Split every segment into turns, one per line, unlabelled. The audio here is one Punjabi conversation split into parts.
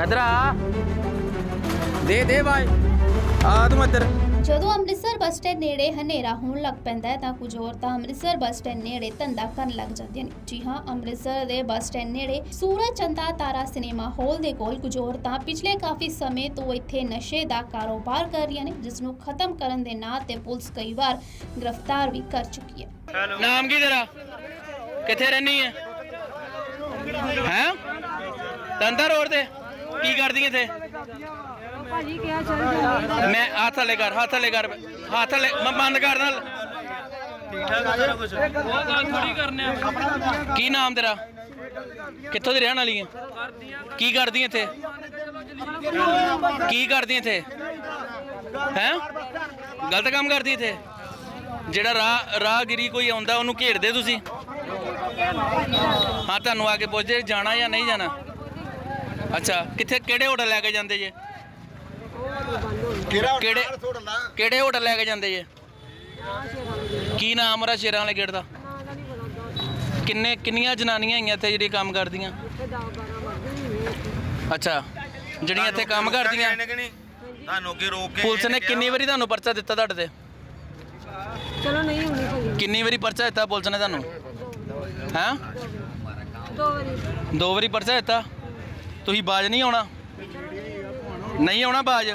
इधर आ दे भाई आ तुम इधर।
ਜਦੋਂ ਅੰਮ੍ਰਿਤਸਰ ਬੱਸ ਸਟੈਂਡ ਨੇੜੇ ਹਨੇਰਾ ਹੋਣ ਲੱਗ ਪੈਂਦਾ ਹੈ ਤਾਂ ਕੁਝ ਔਰਤਾਂ ਅੰਮ੍ਰਿਤਸਰ ਬੱਸ ਸਟੈਂਡ ਨੇੜੇ ਧੰਦਾ ਕਰਨ ਲੱਗ ਜਾਂਦੀਆਂ ਨੇ। ਜੀ ਹਾਂ, ਅੰਮ੍ਰਿਤਸਰ ਦੇ ਬੱਸ ਸਟੈਂਡ ਨੇੜੇ ਸੂਰਜ ਚੰਦਾ ਤਾਰਾ ਸਿਨੇਮਾ ਹਾਲ ਦੇ ਕੋਲ ਕੁਝ ਔਰਤਾਂ ਪਿਛਲੇ ਕਾਫੀ ਸਮੇਂ ਤੋਂ ਇੱਥੇ ਨਸ਼ੇ ਦਾ ਕਾਰੋਬਾਰ ਕਰ ਰਹੀਆਂ ਨੇ, ਜਿਸ ਨੂੰ ਖਤਮ ਕਰਨ ਦੇ ਨਾਂ ਤੇ ਪੁਲਿਸ ਕਈ ਵਾਰ ਗ੍ਰਿਫਤਾਰ ਵੀ ਕਰ ਚੁੱਕੀ ਹੈ।
नाम की तेरा किथे रहनी है हैं तंदा रोड ते की करदी इथे
ਭਾਜੀ ਕਿਹਾ ਚੱਲ ਜਾਂਦੇ
मैं हाथ थले कर हाथ थले मैं बंद कर नाल की नाम तेरा कित्थों दी रहन वाली है की करदी इथे की करदी इथे हैं गलत काम करदी इथे ਜਿਹੜਾ ਰਾਹਗੀਰੀ ਕੋਈ ਆਉਂਦਾ ਉਹਨੂੰ ਘੇਰਦੇ ਤੁਸੀਂ ਹਾਂ ਤੁਹਾਨੂੰ ਆ ਕੇ ਪੁੱਛਦੇ ਜਾਣਾ ਜਾਂ ਨਹੀਂ ਜਾਣਾ ਅੱਛਾ ਕਿੱਥੇ ਕਿਹੜੇ ਹੋਟਲ ਲੈ ਕੇ ਜਾਂਦੇ ਜੇ ਕਿਹੜੇ ਹੋਟਲ ਲੈ ਕੇ ਜਾਂਦੇ ਜੇ ਕੀ ਨਾਮ ਉਹਦਾ ਸ਼ੇਰਾਂ ਵਾਲੇ ਗੇਟ ਦਾ ਕਿੰਨੀਆਂ ਜਨਾਨੀਆਂ ਹੈਗੀਆਂ ਇੱਥੇ ਜਿਹੜੀਆਂ ਕੰਮ ਕਰਦੀਆਂ ਅੱਛਾ ਜਿਹੜੀਆਂ ਇੱਥੇ ਕੰਮ ਕਰਦੀਆਂ
ਤੁਹਾਨੂੰ ਅੱਗੇ ਰੋਕ ਕੇ
ਪੁਲਿਸ ਨੇ ਕਿੰਨੀ ਵਾਰੀ ਤੁਹਾਨੂੰ ਪਰਚਾ ਦਿੱਤਾ ਤੁਹਾਡੇ ਤੇ
ਚਲੋ ਨਹੀਂ ਹੋਣੀ ਭਾਜੀ
ਕਿੰਨੀ ਵਾਰੀ ਪਰਚਾ ਦਿੱਤਾ ਪੁਲਿਸ ਨੇ ਤੁਹਾਨੂੰ ਹੈਂ
2 ਵਾਰੀ
2 ਵਾਰੀ ਪਰਚਾ ਦਿੱਤਾ ਤੁਸੀਂ ਬਾਜ ਨਹੀਂ ਆਉਣਾ ਨਹੀਂ ਆਉਣਾ ਬਾਜ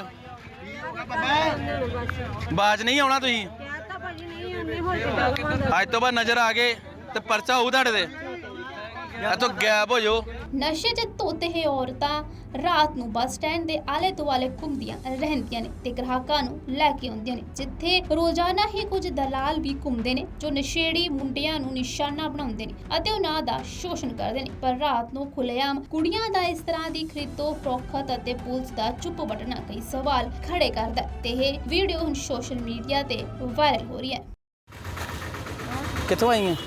ਨਹੀਂ ਆਉਣਾ ਤੁਸੀਂ
ਕਿਹਾ ਤਾਂ ਭਾਜੀ ਨਹੀਂ ਆਉਂਦੇ ਹੋਰ ਕਿੱਦਾਂ
ਅੱਜ ਤੋਂ ਬਾਅਦ ਨਜ਼ਰ ਆ ਗਏ ਤੇ ਪਰਚਾ ਹੋਊ ਤੁਹਾਡੇ ਤੇ ਇੱਥੋਂ ਗਾਇਬ ਹੋ ਜਾਓ।
ਨਸ਼ੇ 'ਚ ਧੁੱਤ ਇਹ ਔਰਤਾਂ ਰਾਤ ਨੂੰ ਬੱਸ ਸਟੈਂਡ ਦੇ ਆਲੇ ਦੁਆਲੇ ਘੁੰਮਦੀਆਂ ਰਹਿੰਦੀਆਂ ਨੇ ਤੇ ਗ੍ਰਾਹਕਾਂ ਨੂੰ ਲੈ ਕੇ ਆਉਂਦੀਆਂ ਨੇ, ਜਿੱਥੇ ਰੋਜ਼ਾਨਾ ਹੀ ਕੁਝ ਦਲਾਲ ਵੀ ਘੁੰਮਦੇ ਨੇ ਜੋ ਨਸ਼ੇੜੀ ਮੁੰਡਿਆਂ ਨੂੰ ਨਿਸ਼ਾਨਾ ਬਣਾਉਂਦੇ ਨੇ ਅਤੇ ਉਹਨਾਂ ਦਾ ਸ਼ੋਸ਼ਣ ਕਰਦੇ ਨੇ। ਪਰ ਰਾਤ ਨੂੰ ਖੁੱਲ੍ਹੇਆਮ ਕੁੜੀਆਂ ਦਾ ਇਸ ਤਰ੍ਹਾਂ ਦੀ ਖਰੀਦੋ ਫਰੋਖਤ ਅਤੇ ਪੁਲਿਸ ਦਾ ਚੁੱਪ ਵੱਟਣਾ ਕਈ ਸਵਾਲ ਖੜੇ ਕਰਦਾ ਹੈ ਤੇ ਇਹ ਵੀਡੀਓ ਹੁਣ ਸੋਸ਼ਲ ਮੀਡੀਆ ਤੇ ਵਾਇਰਲ ਹੋ ਰਹੀ ਹੈ।
ਕਿੱਥੋਂ ਆਈ ਹੈ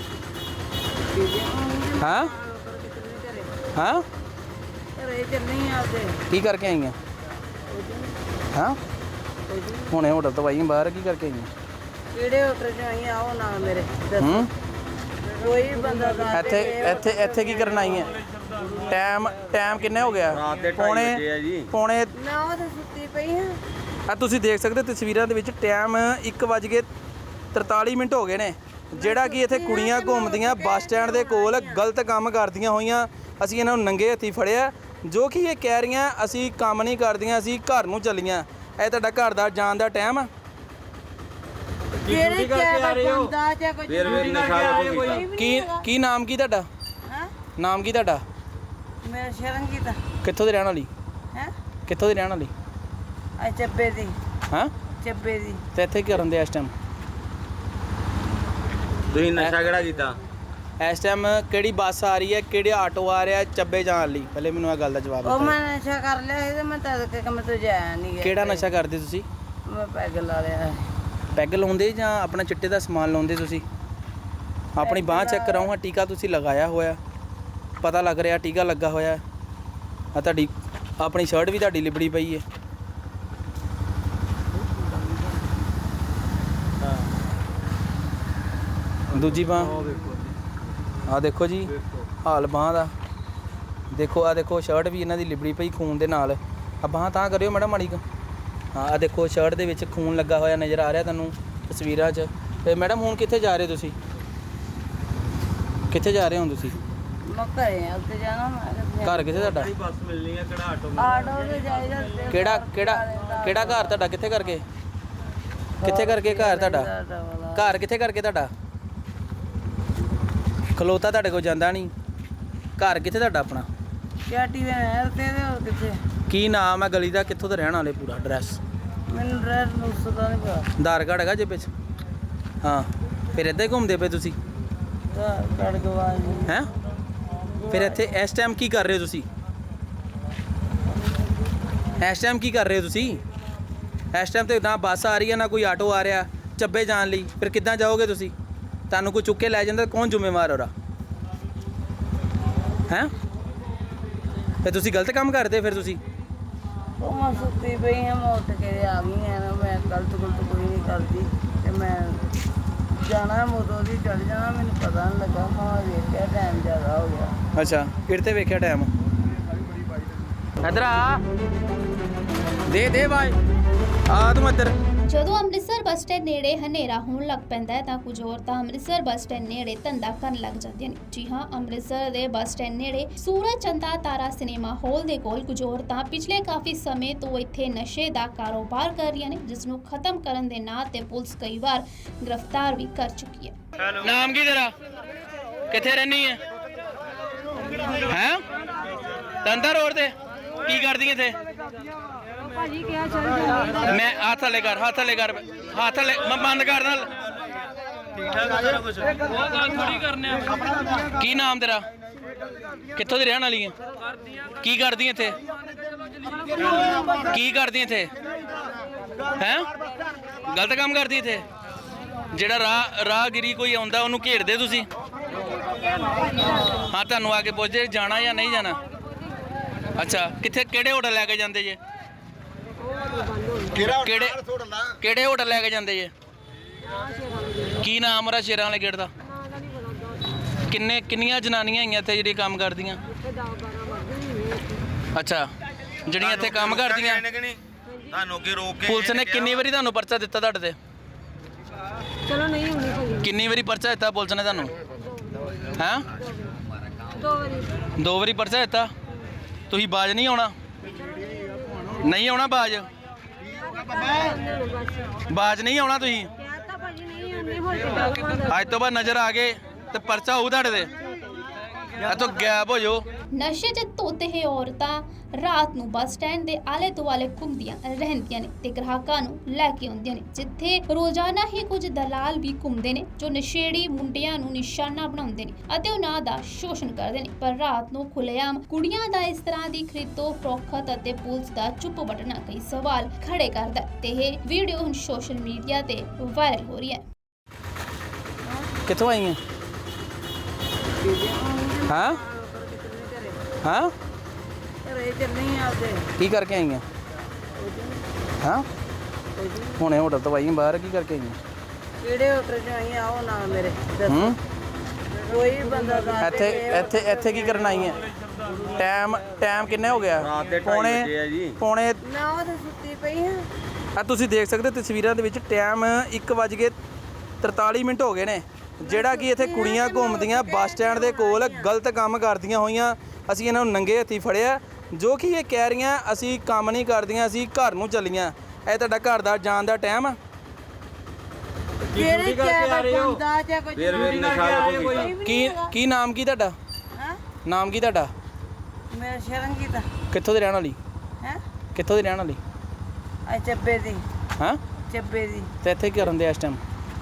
ਹਾਂ ਹਾਂ
ਘਰੇ ਚੱਲਣੀ ਆਪਦੇ
ਕੀ ਕਰਕੇ ਆਈ ਹੈ ਹਾਂ ਹੁਣੇ ਹੋਟਲ ਤੋਂ ਆਈ ਬਾਹਰ ਕੀ ਕਰਕੇ ਆਈ ਹੈ
ਕਿਹੜੇ ਹੋਟਲ 'ਚ ਆਈ ਆਓ ਨਾਲ ਮੇਰੇ
ਹੂੰ
ਕੋਈ ਬੰਦਾ ਦਾ
ਇੱਥੇ ਕੀ ਕਰਨ ਆਈ ਹੈ ਟਾਈਮ ਕਿੰਨੇ ਹੋ ਗਿਆ
ਰਾਤ ਦੇ 2:30 ਵਜੇ ਆ ਜੀ।
ਪੌਣੇ
ਮੈਂ ਉਹ ਤੇ ਸੁੱਤੀ ਪਈ ਹਾਂ
ਆ ਤੁਸੀਂ ਦੇਖ ਸਕਦੇ ਹੋ ਤਸਵੀਰਾਂ ਦੇ ਵਿੱਚ ਟਾਈਮ 1:43 ਹੋ ਗਏ ਨੇ, ਜਿਹੜਾ ਕਿ ਇੱਥੇ ਕੁੜੀਆਂ ਘੁੰਮਦੀਆਂ ਬੱਸ ਸਟੈਂਡ ਦੇ ਕੋਲ ਗਲਤ ਕੰਮ ਕਰਦੀਆਂ ਹੋਈਆਂ। ਅਸੀਂ ਇਹਨਾਂ ਨੂੰ ਨੰਗੇ ਹੱਥੀਂ ਫੜਿਆ, ਜੋ ਕਿ ਇਹ ਕਹਿ ਰਹੀਆਂ ਅਸੀਂ ਕੰਮ ਨਹੀਂ ਕਰਦੀਆਂ, ਅਸੀਂ ਘਰ ਨੂੰ ਚੱਲੀਆਂ। ਇਹ ਤੁਹਾਡਾ ਘਰ ਦਾ ਜਾਣ ਦਾ ਟਾਈਮ ਆ?
ਕਿਹੜੇ ਕਿਆ ਬੰਦਾ ਜਾਂ ਕੋਈ
ਫਿਰ ਨਸ਼ਾ
ਕੀ ਨਾਮ ਕੀ ਤੁਹਾਡਾ
ਹਾਂ
ਨਾਮ ਕੀ ਤੁਹਾਡਾ
ਮੇਰਾ ਸ਼ਰੰਗੀ ਦਾ
ਕਿੱਥੋਂ ਦੀ ਰਹਿਣ ਵਾਲੀ
ਹੈ
ਕਿੱਥੋਂ ਦੀ ਰਹਿਣ ਵਾਲੀ
ਆ ਚੱਬੇ ਦੀ
ਹਾਂ
ਚੱਬੇ ਦੀ
ਤੇ ਇੱਥੇ ਕੀ ਕਰਨ ਦੇ ਇਸ ਟਾਈਮ
ਤੁਸੀਂ ਨਸ਼ਾ ਕਿਹੜਾ ਕੀਤਾ
ਇਸ ਟਾਈਮ ਕਿਹੜੀ ਬੱਸ ਆ ਰਹੀ ਹੈ, ਕਿਹੜੇ ਆਟੋ ਆ ਰਿਹਾ ਚੱਬੇ ਜਾਣ ਲਈ? ਪਹਿਲੇ ਮੈਨੂੰ ਇਹ ਗੱਲ ਦਾ ਜਵਾਬ
ਉਹ
ਦਿਓ।
ਮੈਂ ਨਸ਼ਾ ਕਰ ਲਿਆ ਸੀ ਤੇ ਮੈਂ ਤਦ ਕੇ ਕੰਮ ਤੋਂ ਜਾਇਆ ਨਹੀਂ ਗਿਆ।
ਕਿਹੜਾ ਨਸ਼ਾ ਕਰਦੇ ਤੁਸੀਂ?
ਮੈਂ ਪੈਗ ਲਾ ਲਿਆ
ਪੈਗ ਲਾਉਂਦੇ ਜਾਂ ਆਪਣਾ ਚਿੱਟੇ ਦਾ ਸਮਾਨ ਲਾਉਂਦੇ ਤੁਸੀਂ? ਆਪਣੀ ਬਾਂਹ ਚੈੱਕ ਕਰਾਉਂ, ਟੀਕਾ ਤੁਸੀਂ ਲਗਾਇਆ ਹੋਇਆ, ਪਤਾ ਲੱਗ ਰਿਹਾ ਟੀਕਾ ਲੱਗਾ ਹੋਇਆ। ਆ ਤੁਹਾਡੀ ਆਪਣੀ ਸ਼ਰਟ ਵੀ ਤੁਹਾਡੀ ਲਿਬੜੀ ਪਈ ਹੈ। ਦੂਜੀ ਬਾਂਹ ਆ ਦੇਖੋ ਜੀ, ਹਾਲ ਬਾਂਹ ਦਾ ਦੇਖੋ। ਆ ਦੇਖੋ ਸ਼ਰਟ ਵੀ ਇਹਨਾਂ ਦੀ ਲਿਬੜੀ ਪਈ ਖੂਨ ਦੇ ਨਾਲ। ਆ ਬਾਂਹ ਤਾਂ ਕਰਿਓ ਮੈਡਮ ਮਾੜੀ ਕੁ। ਹਾਂ ਆ ਦੇਖੋ ਸ਼ਰਟ ਦੇ ਵਿੱਚ ਖੂਨ ਲੱਗਾ ਹੋਇਆ ਨਜ਼ਰ ਆ ਰਿਹਾ ਤੁਹਾਨੂੰ ਤਸਵੀਰਾਂ 'ਚ। ਤੇ ਮੈਡਮ ਹੁਣ ਕਿੱਥੇ ਜਾ ਰਹੇ ਤੁਸੀਂ? ਕਿੱਥੇ ਜਾ ਰਹੇ ਹੋ ਤੁਸੀਂ?
ਮੈਂ ਘਰੇ ਆ ਉੱਤੇ ਜਾਣਾ ਮੈਂ
ਘਰ ਕਿੱਥੇ ਤੁਹਾਡਾ?
ਬੱਸ ਮਿਲਣੀ ਹੈ ਕਿਹੜਾ
ਆਟੋ ਤੇ ਜਾਈਦਾ ਤੇ
ਕਿਹੜਾ ਘਰ ਤੁਹਾਡਾ? ਕਿੱਥੇ ਕਰਕੇ ਘਰ ਤੁਹਾਡਾ? ਘਰ ਕਿੱਥੇ ਕਰਕੇ ਤੁਹਾਡਾ? ਖਲੋਤਾ ਤੁਹਾਡੇ ਕੋਲ ਜਾਂਦਾ ਨਹੀਂ। ਘਰ ਕਿੱਥੇ ਤੁਹਾਡਾ ਆਪਣਾ?
ਚਾਟੀ ਵੇ ਨਹਿਰ ਤੇ ਹੋਰ ਕਿੱਥੇ?
ਕੀ ਨਾਮ ਹੈ ਗਲੀ ਦਾ? ਕਿੱਥੋਂ ਦੇ ਰਹਿਣ ਵਾਲੇ? ਪੂਰਾ ਐਡਰੈਸ?
ਮੈਨੂੰ ਡਰੈਸ ਨੂੰ ਪਤਾ ਨਹੀਂ ਪਤਾ।
ਆਧਾਰ ਕਾਰਡ ਹੈਗਾ ਜੇਬ 'ਚ? ਹਾਂ ਫਿਰ ਇੱਦਾਂ ਹੀ ਘੁੰਮਦੇ ਪਏ ਤੁਸੀਂ
ਕੜ ਗਵਾਜ
ਹੈਂ? ਫਿਰ ਇੱਥੇ ਇਸ ਟਾਈਮ ਕੀ ਕਰ ਰਹੇ ਹੋ ਤੁਸੀਂ? ਇਸ ਟਾਈਮ ਕੀ ਕਰ ਰਹੇ ਹੋ ਤੁਸੀਂ? ਇਸ ਟਾਈਮ ਤੇ ਨਾ ਬੱਸ ਆ ਰਹੀ ਹੈ ਨਾ ਕੋਈ ਆਟੋ ਆ ਰਿਹਾ ਚੱਬੇ ਜਾਣ ਲਈ। ਫਿਰ ਕਿੱਦਾਂ ਜਾਓਗੇ ਤੁਸੀਂ? ਤੁਹਾਨੂੰ ਕੋਈ ਚੁੱਕ ਕੇ ਲੈ ਜਾਂਦਾ, ਕੌਣ ਜ਼ਿੰਮੇਵਾਰ ਹੋਰਾ ਹੈਂ? ਫਿਰ ਤੁਸੀਂ ਗਲਤ ਕੰਮ ਕਰਦੇ। ਫਿਰ ਤੁਸੀਂ
ਉਹ ਮੈਂ ਸੁੱਤੀ ਪਈ ਹਾਂ, ਮੈਂ ਉੱਠ ਕੇ ਆ ਗਈ ਹਾਂ ਨਾ। ਮੈਂ ਗਲਤ ਕੋਈ ਨਹੀਂ ਕਰਦੀ ਤੇ ਮੈਂ ਜਾਣਾ ਮੋਦੋਂ ਦੀ ਚੜ ਜਾਣਾ। ਮੈਨੂੰ ਪਤਾ ਨਹੀਂ ਲੱਗਾ, ਮੈਂ ਵੇਖਿਆ ਟਾਈਮ ਜ਼ਿਆਦਾ ਹੋ ਗਿਆ।
ਅੱਛਾ ਕਿਹੜੇ ਤੇ ਵੇਖਿਆ ਟਾਈਮ? ਇੱਧਰ ਆ ਦੇ ਬਾਈ ਆ ਤੂੰ ਇੱਧਰ।
ਜਦੋਂ ਅੰਮ੍ਰਿਤਸਰ ਬੱਸ ਸਟੈਂਡ ਨੇੜੇ ਹਨੇਰਾ ਹੋਣ ਲੱਗ ਪੈਂਦਾ ਹੈ ਤਾਂ ਕੁਝ ਔਰਤਾਂ ਅੰਮ੍ਰਿਤਸਰ ਬੱਸ ਸਟੈਂਡ ਨੇੜੇ ਧੰਦਾ ਕਰਨ ਲੱਗ ਜਾਂਦੀਆਂ ਨੇ। ਜੀ ਹਾਂ, ਅੰਮ੍ਰਿਤਸਰ ਦੇ ਬੱਸ ਸਟੈਂਡ ਨੇੜੇ ਸੂਰਜ ਚੰਦਾ ਤਾਰਾ ਸਿਨੇਮਾ ਹਾਲ ਦੇ ਕੋਲ ਕੁਝ ਔਰਤਾਂ ਪਿਛਲੇ ਕਾਫੀ ਸਮੇਂ ਤੋਂ ਇੱਥੇ ਨਸ਼ੇ ਦਾ ਕਾਰੋਬਾਰ ਕਰ ਰਹੀਆਂ ਨੇ, ਜਿਸ ਨੂੰ ਖਤਮ ਕਰਨ ਦੇ ਨਾਂ ਤੇ ਪੁਲਿਸ ਕਈ ਵਾਰ ਗ੍ਰਿਫਤਾਰ ਵੀ ਕਰ ਚੁੱਕੀ ਹੈ।
ਨਾਮ ਕੀ ਤੇਰਾ? ਕਿੱਥੇ ਰਹਿਣੀ ਹੈ? ਤੰਦਰ ਰੋਡ ਤੇ ਕੀ ਕਰਦੀ ਇੱਥੇ?
ਭਾਜੀ ਕਿਹਾ ਚੱਲ ਜਾਂਦੀ
ਮੈਂ ਹੱਥ ਥੱਲੇ ਕਰ ਹੱਥ ਥੱਲੇ ਮੈਂ ਬੰਦ ਕਰ ਨਾਲ। ਠੀਕ ਠਾਕ ਆ ਸਾਰਾ ਕੁਝ, ਉਹ ਗੱਲ ਥੋੜੀ ਕਰਨੇ ਆ। ਕੀ ਨਾਮ ਤੇਰਾ? ਕਿੱਥੋਂ ਦੀ ਰਹਿਣ ਵਾਲੀ ਹੈ? ਕੀ ਕਰਦੀ ਇੱਥੇ? ਕੀ ਕਰਦੀ ਇੱਥੇ? ਗਲਤ ਕੰਮ ਕਰਦੀ ਇੱਥੇ? ਜਿਹੜਾ ਰਾਹਗੀਰੀ ਕੋਈ ਆਉਂਦਾ ਉਹਨੂੰ ਘੇਰਦੇ ਤੁਸੀਂ? ਹਾਂ, ਤੁਹਾਨੂੰ ਆ ਕੇ ਪੁੱਛਦੇ ਜਾਣਾ ਜਾਂ ਨਹੀਂ ਜਾਣਾ? ਅੱਛਾ, ਕਿੱਥੇ ਕਿਹੜੇ ਹੋਟਲ ਲੈ ਕੇ ਜਾਂਦੇ ਜੇ? ਕਿਹੜੇ ਹੋਟਲ ਲੈ ਕੇ ਜਾਂਦੇ ਜੇ? ਕੀ ਨਾਮ ਉਹਦਾ ਸ਼ੇਰਾਂ ਵਾਲੇ ਗੇਟ ਦਾ? ਕਿੰਨੀਆਂ ਜਨਾਨੀਆਂ ਆਈਆਂ ਇੱਥੇ ਜਿਹੜੀਆਂ ਕੰਮ ਕਰਦੀਆਂ? ਅੱਛਾ, ਜਿਹੜੀਆਂ ਇੱਥੇ ਕੰਮ ਕਰਦੀਆਂ।
ਤੁਹਾਨੂੰ ਕੀ ਰੋਕ ਕੇ
ਪੁਲਿਸ ਨੇ ਕਿੰਨੀ ਵਾਰੀ ਤੁਹਾਨੂੰ ਪਰਚਾ ਦਿੱਤਾ ਤੁਹਾਡੇ ਤੇ?
ਚਲੋ ਨਹੀਂ ਹੁੰਦੀ ਭਾਜੀ।
ਕਿੰਨੀ ਵਾਰੀ ਪਰਚਾ ਦਿੱਤਾ ਪੁਲਿਸ ਨੇ ਤੁਹਾਨੂੰ? ਹੈਂ?
2 ਵਾਰੀ।
2 ਵਾਰੀ ਪਰਚਾ ਦਿੱਤਾ? ਤੁਸੀਂ ਬਾਜ ਨਹੀਂ ਆਉਣਾ? ਨਹੀਂ ਆਉਣਾ ਬਾਜ ਨਹੀਂ ਆਉਣਾ ਤੁਸੀਂ?
ਕਹਿਤਾ ਭਾਜੀ ਨਹੀਂ ਹੁੰਦੀ, ਹੋਰ ਕਿੱਦਾਂ ਕਰਾਂਗੇ?
ਅੱਜ ਤੋਂ ਬਾਅਦ ਨਜ਼ਰ ਆ ਗਏ ਤੇ ਪਰਚਾ ਹੋਊ ਤੁਹਾਡੇ ਤੇ। ਇੱਥੋਂ ਗਾਇਬ ਹੋ ਜਾਓ।
ਨਸ਼ੇ 'ਚ ਧੁੱਤ ਇਹ ਔਰਤਾਂ ਰਾਤ ਨੂੰ ਬੱਸ ਸਟੈਂਡ ਦੇ ਆਲੇ ਦੁਆਲੇ ਘੁੰਮਦੀਆਂ ਰਹਿੰਦੀਆਂ ਨੇ ਤੇ ਗ੍ਰਾਹਕਾਂ ਨੂੰ ਲੈ ਕੇ ਆਉਂਦੀਆਂ ਨੇ, ਜਿੱਥੇ ਰੋਜ਼ਾਨਾ ਹੀ ਕੁਝ ਦਲਾਲ ਵੀ ਘੁੰਮਦੇ ਨੇ ਜੋ ਨਸ਼ੇੜੀ ਮੁੰਡਿਆਂ ਨੂੰ ਨਿਸ਼ਾਨਾ ਬਣਾਉਂਦੇ ਨੇ ਅਤੇ ਉਹਨਾਂ ਦਾ ਸ਼ੋਸ਼ਣ ਕਰਦੇ ਨੇ। ਪਰ ਰਾਤ ਨੂੰ ਖੁੱਲ੍ਹੇਆਮ ਕੁੜੀਆਂ ਦਾ ਇਸ ਤਰ੍ਹਾਂ ਦੀ ਖਰੀਦੋ ਫਰੋਖਤ ਅਤੇ ਪੁਲਿਸ ਦਾ ਚੁੱਪ ਵੱਟਣਾ ਕਈ ਸਵਾਲ ਖੜੇ ਕਰਦਾ ਤੇ ਇਹ ਵੀਡੀਓ ਹੁਣ ਸੋਸ਼ਲ ਮੀਡੀਆ ਤੇ ਵਾਇਰਲ ਹੋ ਰਹੀ ਹੈ।
ਕਿੱਥੋਂ ਆਈਆਂ? ਹਾਂ
ਘਰੇ ਚੱਲੀ ਆਪਦੇ।
ਕੀ ਕਰਕੇ ਆਈਆਂ? ਹੁਣੇ ਹੋਟਲ ਤੋਂ ਆਈਆਂ ਬਾਹਰ, ਕੀ ਕਰਕੇ ਆਈਆਂ?
ਕਿਹੜੇ ਹੋਟਲ 'ਚ ਆਈ ਆਓ ਨਾ ਮੇਰੇ ਦੱਸੋ। ਕੋਈ ਬੰਦਾ ਦੱਸ ਦੇ।
ਇੱਥੇ ਕੀ ਕਰਨ ਆਈਆਂ? ਟਾਈਮ ਕਿੰਨੇ ਹੋ ਗਿਆ?
ਰਾਤ ਦੇ 2:30 ਵਜੇ ਆ ਜੀ।
ਪੌਣੇ
ਨਾ ਉਹ ਤਾਂ ਸੁੱਤੀ ਪਈ ਆ।
ਆ ਤੁਸੀਂ ਦੇਖ ਸਕਦੇ ਹੋ ਤਸਵੀਰਾਂ ਦੇ ਵਿੱਚ ਟਾਈਮ 1:43 ਹੋ ਗਏ ਨੇ। ਜਿਹੜਾ ਕਿ ਇੱਥੇ ਕੁੜੀਆਂ ਘੁੰਮਦੀਆਂ ਬੱਸ ਸਟੈਂਡ ਦੇ ਕੋਲ ਗਲਤ ਕੰਮ ਕਰਦੀਆਂ ਹੋਈਆਂ। ਅਸੀਂ ਇਹਨਾਂ ਨੂੰ ਨੰਗੇ ਹੱਥੀਂ ਫੜਿਆ, ਜੋ ਕਿ ਇਹ ਕਹਿ ਰਹੀਆਂ ਅਸੀਂ ਕੰਮ ਨਹੀਂ ਕਰਦੀਆਂ, ਅਸੀਂ ਘਰ ਨੂੰ ਚੱਲੀਆਂ। ਇਹ ਤੁਹਾਡਾ ਘਰ ਦਾ ਜਾਣ ਦਾ ਟਾਈਮ ਆ?
ਜਿਹੜੇ ਚਾਹ ਬੰਦਾ ਜਾਂ ਕੋਈ
ਫੇਰ ਵੀ ਨਸ਼ਾ ਵੇਖੋ
ਕੀ ਨਾਮ ਕੀ ਤੁਹਾਡਾ?
ਹਾਂ
ਨਾਮ ਕੀ ਤੁਹਾਡਾ?
ਮੇਰਾ ਸ਼ਰੰਗੀ ਦਾ
ਕਿੱਥੋਂ ਦੀ ਰਹਿਣ ਵਾਲੀ?
ਹੈ
ਕਿੱਥੋਂ ਦੀ ਰਹਿਣ ਵਾਲੀ?
ਆ ਚੱਬੇ ਦੀ।
ਹਾਂ,
ਚੱਬੇ ਦੀ।
ਤੇ ਇੱਥੇ ਕੀ ਕਰਨ ਦੇ ਇਸ ਟਾਈਮ?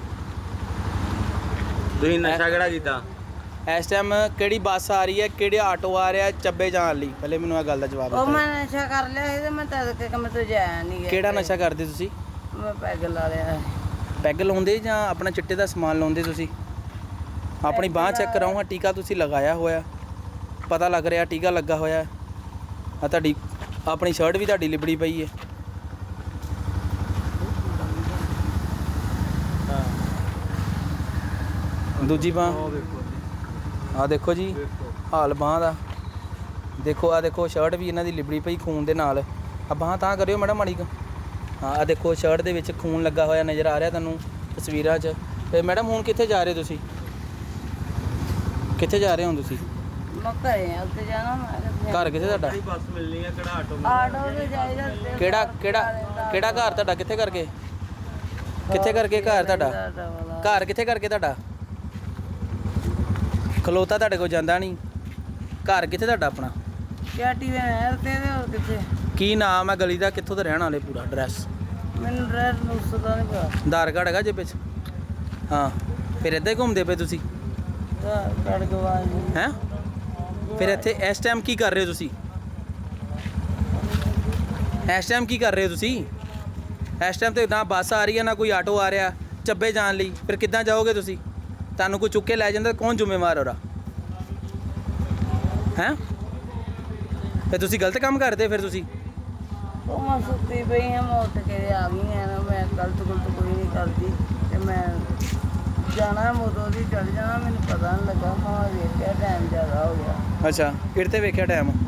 ਤੁਸੀਂ ਨਸ਼ਾ ਕਿਹੜਾ ਕੀਤਾ?
ਇਸ ਟਾਈਮ ਕਿਹੜੀ ਬੱਸ ਆ ਰਹੀ ਹੈ, ਕਿਹੜੇ ਆਟੋ ਆ ਰਿਹਾ ਚੱਬੇ ਜਾਣ ਲਈ? ਪਹਿਲੇ ਮੈਨੂੰ ਇਹ ਗੱਲ ਦਾ ਜਵਾਬ
ਉਹ
ਦਿਓ।
ਮੈਂ ਨਸ਼ਾ ਕਰ ਲਿਆ ਸੀ ਤੇ ਮੈਂ ਤਦ ਕੇ ਕੰਮ ਤੋਂ ਜਾਇਆ ਨਹੀਂ ਗਿਆ।
ਕਿਹੜਾ ਨਸ਼ਾ ਕਰਦੇ ਤੁਸੀਂ?
ਮੈਂ ਪੈਗ ਲਾ ਲਿਆ।
ਪੈਗ ਲਾਉਂਦੇ ਜਾਂ ਆਪਣਾ ਚਿੱਟੇ ਦਾ ਸਮਾਨ ਲਾਉਂਦੇ ਤੁਸੀਂ? ਆਪਣੀ ਬਾਂਹ ਚੈੱਕ ਕਰਾਓ, ਹਾਂ ਟੀਕਾ ਤੁਸੀਂ ਲਗਾਇਆ ਹੋਇਆ, ਪਤਾ ਲੱਗ ਰਿਹਾ ਟੀਕਾ ਲੱਗਾ ਹੋਇਆ। ਆ ਤੁਹਾਡੀ ਆਪਣੀ ਸ਼ਰਟ ਵੀ ਤੁਹਾਡੀ ਲਿਬੜੀ ਪਈ ਹੈ। ਦੂਜੀ ਬਾਂਹ ਆ ਦੇਖੋ ਜੀ, ਹਾਲ ਬਾਂਹ ਦਾ ਦੇਖੋ। ਆ ਦੇਖੋ ਸ਼ਰਟ ਵੀ ਇਹਨਾਂ ਦੀ ਲਿਬੜੀ ਪਈ ਖੂਨ ਦੇ ਨਾਲ। ਆ ਬਾਂਹ ਤਾਂ ਕਰਿਓ ਮੈਡਮ ਮਾੜੀ ਕੁ। ਹਾਂ, ਆ ਦੇਖੋ ਸ਼ਰਟ ਦੇ ਵਿੱਚ ਖੂਨ ਲੱਗਾ ਹੋਇਆ ਨਜ਼ਰ ਆ ਰਿਹਾ ਤੁਹਾਨੂੰ ਤਸਵੀਰਾਂ 'ਚ। ਤੇ ਮੈਡਮ ਹੁਣ ਕਿੱਥੇ ਜਾ ਰਹੇ ਤੁਸੀਂ? ਕਿੱਥੇ ਜਾ ਰਹੇ ਹੋ ਤੁਸੀਂ?
ਮੈਂ ਘਰੇ ਆ, ਉੱਥੇ ਜਾਣਾ ਮੈਂ।
ਘਰ ਕਿੱਥੇ ਤੁਹਾਡਾ?
ਬੱਸ ਮਿਲਣੀ ਹੈ ਕਿਹੜਾ ਆਟੋ?
ਆਟੋ ਤੇ ਜਾਈਦਾ।
ਕਿਹੜਾ ਘਰ ਤੁਹਾਡਾ? ਕਿੱਥੇ ਕਰਕੇ ਘਰ ਤੁਹਾਡਾ? ਘਰ ਕਿੱਥੇ ਕਰਕੇ ਤੁਹਾਡਾ? ਖਲੋਤਾ ਤੁਹਾਡੇ ਕੋਲ ਜਾਂਦਾ ਨਹੀਂ। ਘਰ ਕਿੱਥੇ ਤੁਹਾਡਾ ਆਪਣਾ?
ਚਾਟੀ ਵੇ ਨਹਿਰ ਤੇ ਤੇ ਹੋਰ ਕਿੱਥੇ?
ਕੀ ਨਾਮ ਹੈ ਗਲੀ ਦਾ? ਕਿੱਥੋਂ ਦੇ ਰਹਿਣ ਵਾਲੇ? ਪੂਰਾ ਐਡਰੈਸ?
ਮੈਨੂੰ ਰੈਡ ਨੂੰ ਸਦਾ ਨਹੀਂ ਪਤਾ।
ਆਧਾਰ ਕਾਰਡ ਹੈਗਾ ਜੇਬ 'ਚ? ਹਾਂ, ਫਿਰ ਇੱਦਾਂ ਹੀ ਘੁੰਮਦੇ ਪਏ ਤੁਸੀਂ?
ਕਾਰਡ ਗਵਾ ਜੀ।
ਹੈਂ? ਫਿਰ ਇੱਥੇ ਇਸ ਟਾਈਮ ਕੀ ਕਰ ਰਹੇ ਹੋ ਤੁਸੀਂ? ਇਸ ਟਾਈਮ ਕੀ ਕਰ ਰਹੇ ਹੋ ਤੁਸੀਂ? ਇਸ ਟਾਈਮ ਤੇ ਨਾ ਬੱਸ ਆ ਰਹੀ ਹੈ ਨਾ ਕੋਈ ਆਟੋ ਆ ਰਿਹਾ ਚੱਬੇ ਜਾਣ ਲਈ। ਫਿਰ ਕਿੱਦਾਂ ਜਾਓਗੇ ਤੁਸੀਂ? ਤੁਹਾਨੂੰ ਕੋਈ ਚੁੱਕ ਕੇ ਲੈ ਜਾਂਦਾ, ਕੌਣ ਜ਼ਿੰਮੇਵਾਰ ਉਹਦਾ? ਹੈਂ? ਫਿਰ ਤੁਸੀਂ ਗਲਤ ਕੰਮ ਕਰਦੇ? ਫਿਰ ਤੁਸੀਂ
ਉਹ ਮੈਂ ਸੁੱਤੀ ਪਈ ਹਾਂ, ਮੈਂ ਉੱਠ ਕੇ ਆ ਗਈ ਹਾਂ ਨਾ। ਮੈਂ ਗਲਤ ਕੋਈ ਨਹੀਂ ਕਰਦੀ ਤੇ ਮੈਂ ਜਾਣਾ ਮੋਦੋਂ ਦੀ ਚੜ ਜਾਣਾ। ਮੈਨੂੰ ਪਤਾ ਨਹੀਂ ਲੱਗਾ, ਮੈਂ ਵੇਖਿਆ ਟਾਈਮ ਜ਼ਿਆਦਾ ਹੋ ਗਿਆ।
ਅੱਛਾ, ਕਿਹੜੇ ਤੇ ਵੇਖਿਆ ਟਾਈਮ?